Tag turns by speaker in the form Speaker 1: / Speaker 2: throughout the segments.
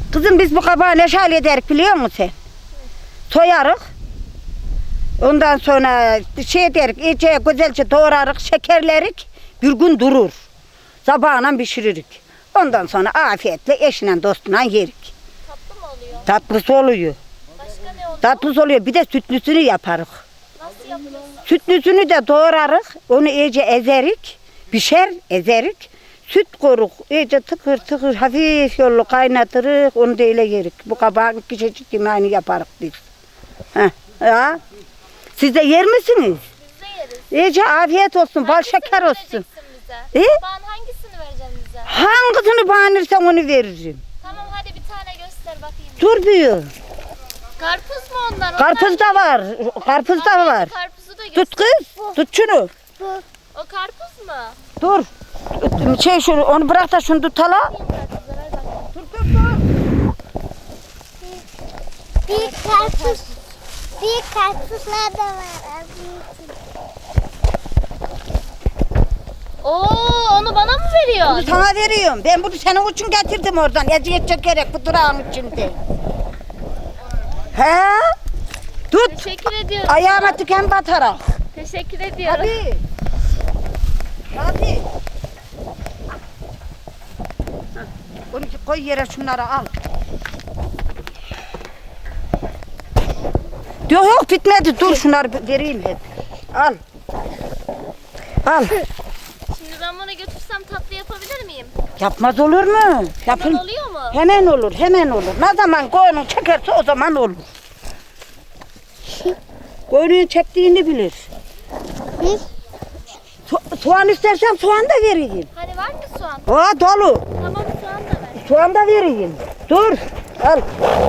Speaker 1: Kızım biz bu kabağı ne şal ederik biliyor musun sen? Soyarık. Ondan sonra şey derik, iyice güzelce doğrarık, şekerlerik. Bir gün durur. Sabahına pişiririk. Ondan sonra afiyetle eşine dostuna yerik.
Speaker 2: Tatlı mı oluyor?
Speaker 1: Tatlısı oluyor.
Speaker 2: Başka ne oluyor?
Speaker 1: Tatlısı oluyor. Bir de sütlüsünü yaparık.
Speaker 2: Nasıl yapıyorsun?
Speaker 1: Sütlüsünü de doğrarık. Onu iyice ezerik. Pişer, ezerik. Süt koruk. İyice tıkır tıkır hafif yollu kaynatırık. Onu da öyle yerik. Bu kabağın küçücük yemeğini yaparık biz. Heh, ya. Siz de yer misiniz?
Speaker 2: Biz de yeriz.
Speaker 1: İyice afiyet olsun, bal
Speaker 2: Hangisini
Speaker 1: şeker olsun.
Speaker 2: vereceksin bize?
Speaker 1: E?
Speaker 2: Ben hangisini vereceğim bize?
Speaker 1: Hangisini beğenirsen onu veririm.
Speaker 2: Tamam hadi bir tane göster bakayım.
Speaker 1: Dur büyüğüm.
Speaker 2: Karpuz mu onlar?
Speaker 1: Karpuz da var. Karpuz da var.
Speaker 2: Karpuzu da göster.
Speaker 1: Tut kız. Tut şunu.
Speaker 2: O karpuz mu?
Speaker 1: Dur. Şey şunu, onu bırak da şunu tut hala.
Speaker 2: Karpuzlar ver bakayım.
Speaker 1: Dur dur dur.
Speaker 3: Bir karpuz. Bir karpuzlar da var.
Speaker 2: Oo onu bana mı veriyorsun?
Speaker 1: Sana veriyorum. Ben bunu senin için getirdim oradan. Eziyet çekerek bu durağın içinde. He? Tut.
Speaker 2: Teşekkür ediyorum.
Speaker 1: Ayağıma tüken batarak.
Speaker 2: Teşekkür ediyorum.
Speaker 1: Hadi. Hadi. Onu koy yere şunları al. Yok yok bitmedi. Dur şunları vereyim hep. Al. Al.
Speaker 2: Şimdi ben bunu götürsem tatlı yapabilir miyim?
Speaker 1: Yapmaz olur mu? Yapın.
Speaker 2: Hemen oluyor mu?
Speaker 1: Hemen olur, hemen olur. Ne zaman koyunu çekerse o zaman olur. Koyunun çektiğini bilir. Soğan istersen soğan da vereyim.
Speaker 2: Hani var mı soğan?
Speaker 1: Aa dolu.
Speaker 2: Tamam soğan da ver.
Speaker 1: Soğan da vereyim. Dur. Al.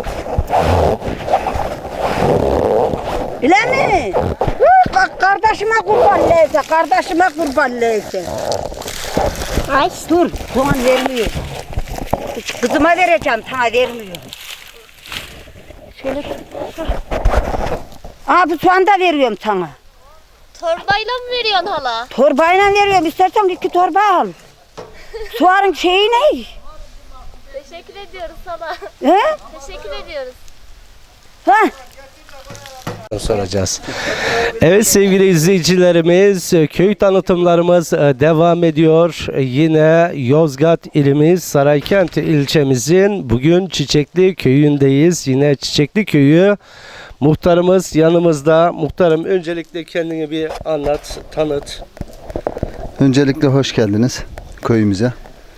Speaker 1: Bile mi? Kardeşime kurban leyse, kardeşime kurban leyse.
Speaker 3: Ay.
Speaker 1: Dur, soğan vermiyor. Kızıma vereceğim, sana vermiyor. Şöyle. Aa bu soğan da veriyorum sana.
Speaker 2: Torbayla mı veriyorsun hala?
Speaker 1: Torbayla veriyorum, istersen 2 torba al. Soğanın şeyi ne?
Speaker 2: Teşekkür ediyoruz hala.
Speaker 1: He?
Speaker 2: Teşekkür ediyoruz.
Speaker 1: Ha?
Speaker 4: Soracağız. Evet sevgili izleyicilerimiz, köy tanıtımlarımız devam ediyor. Yine Yozgat ilimiz Saraykent ilçemizin bugün Çiçekli köyündeyiz. Yine Çiçekli köyü muhtarımız yanımızda. Muhtarım öncelikle kendini bir anlat, tanıt.
Speaker 5: Öncelikle hoş geldiniz köyümüze.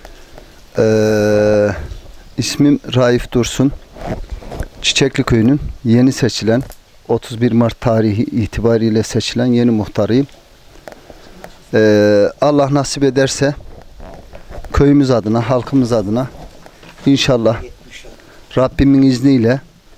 Speaker 5: İsmim Raif Dursun. Çiçekli köyünün yeni seçilen 31 Mart tarihi itibariyle seçilen yeni muhtarıyım. Allah nasip ederse köyümüz adına, halkımız adına inşallah Rabbimin izniyle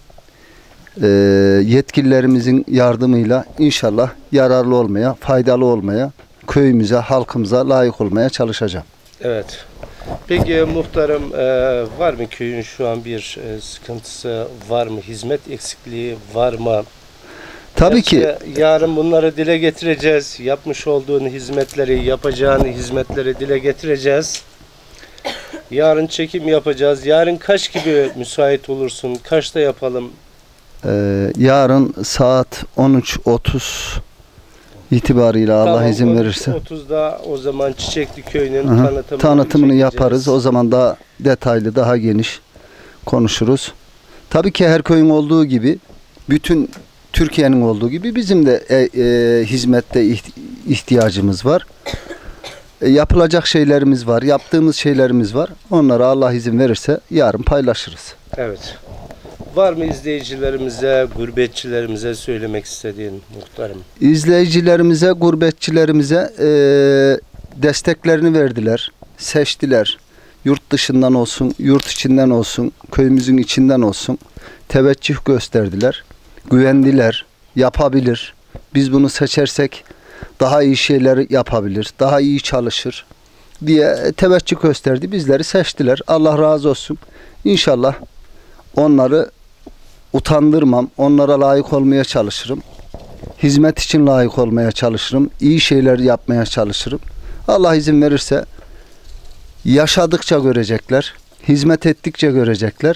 Speaker 5: yetkililerimizin yardımıyla inşallah yararlı olmaya, faydalı olmaya, köyümüze, halkımıza layık olmaya çalışacağım.
Speaker 4: Evet. Peki muhtarım var mı köyün şu an bir sıkıntısı var mı? Hizmet eksikliği var mı?
Speaker 5: Tabii ki
Speaker 4: Yarın bunları dile getireceğiz. Yapmış olduğun hizmetleri, yapacağın hizmetleri dile getireceğiz. Yarın çekim yapacağız. Yarın kaç gibi müsait olursun? Kaçta yapalım?
Speaker 5: yarın saat 13.30 itibariyle Allah
Speaker 4: Tamam,
Speaker 5: izin verirse
Speaker 4: 30'da o zaman Çiçekli Köyü'nün
Speaker 5: tanıtımını
Speaker 4: çekeceğiz.
Speaker 5: yaparız. O zaman daha detaylı, daha geniş konuşuruz. Tabii ki her köyün olduğu gibi, bütün Türkiye'nin olduğu gibi bizim de hizmette ihtiyacımız var. Yapılacak şeylerimiz var, yaptığımız şeylerimiz var. Onları Allah izin verirse yarın paylaşırız.
Speaker 4: Evet. Var mı izleyicilerimize, gurbetçilerimize söylemek istediğin muhtarım?
Speaker 5: İzleyicilerimize, gurbetçilerimize desteklerini verdiler, seçtiler. Yurt dışından olsun, yurt içinden olsun, köyümüzün içinden olsun teveccüh gösterdiler. Güvendiler, yapabilir. Biz bunu seçersek daha iyi şeyler yapabilir, daha iyi çalışır diye teveccüh gösterdi. Bizleri seçtiler. Allah razı olsun. İnşallah onları utandırmam. Onlara layık olmaya çalışırım. Hizmet için layık olmaya çalışırım. İyi şeyler yapmaya çalışırım. Allah izin verirse yaşadıkça görecekler. Hizmet ettikçe görecekler.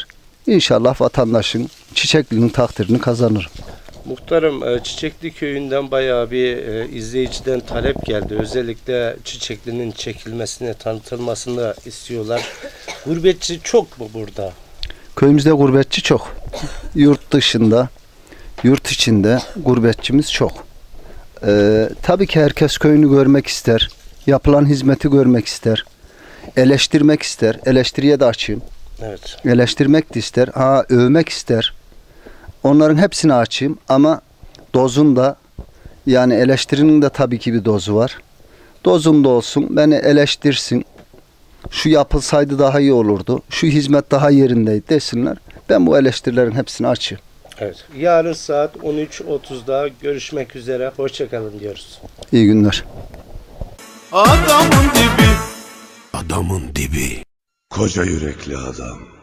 Speaker 5: İnşallah vatandaşın, Çiçekli'nin takdirini kazanırım.
Speaker 4: Muhtarım, Çiçekli köyünden bayağı bir izleyiciden talep geldi. Özellikle Çiçekli'nin çekilmesini, tanıtılmasını istiyorlar. Gurbetçi çok mu burada?
Speaker 5: Köyümüzde gurbetçi çok. Yurt dışında, yurt içinde gurbetçimiz çok. Tabii ki herkes köyünü görmek ister. Yapılan hizmeti görmek ister. Eleştirmek ister. Eleştiriye de açayım.
Speaker 4: Evet.
Speaker 5: Eleştirmek de ister. Övmek ister. Onların hepsini açayım ama dozunda, yani eleştirinin de tabii ki bir dozu var. Dozunda olsun, beni eleştirsin. Şu yapılsaydı daha iyi olurdu. Şu hizmet daha yerindeydi desinler. Ben bu eleştirilerin hepsini açayım.
Speaker 4: Evet. Yarın saat 13.30'da görüşmek üzere. Hoşçakalın diyoruz.
Speaker 5: İyi günler.
Speaker 6: Adamın dibi. Adamın dibi. Koca yürekli adam.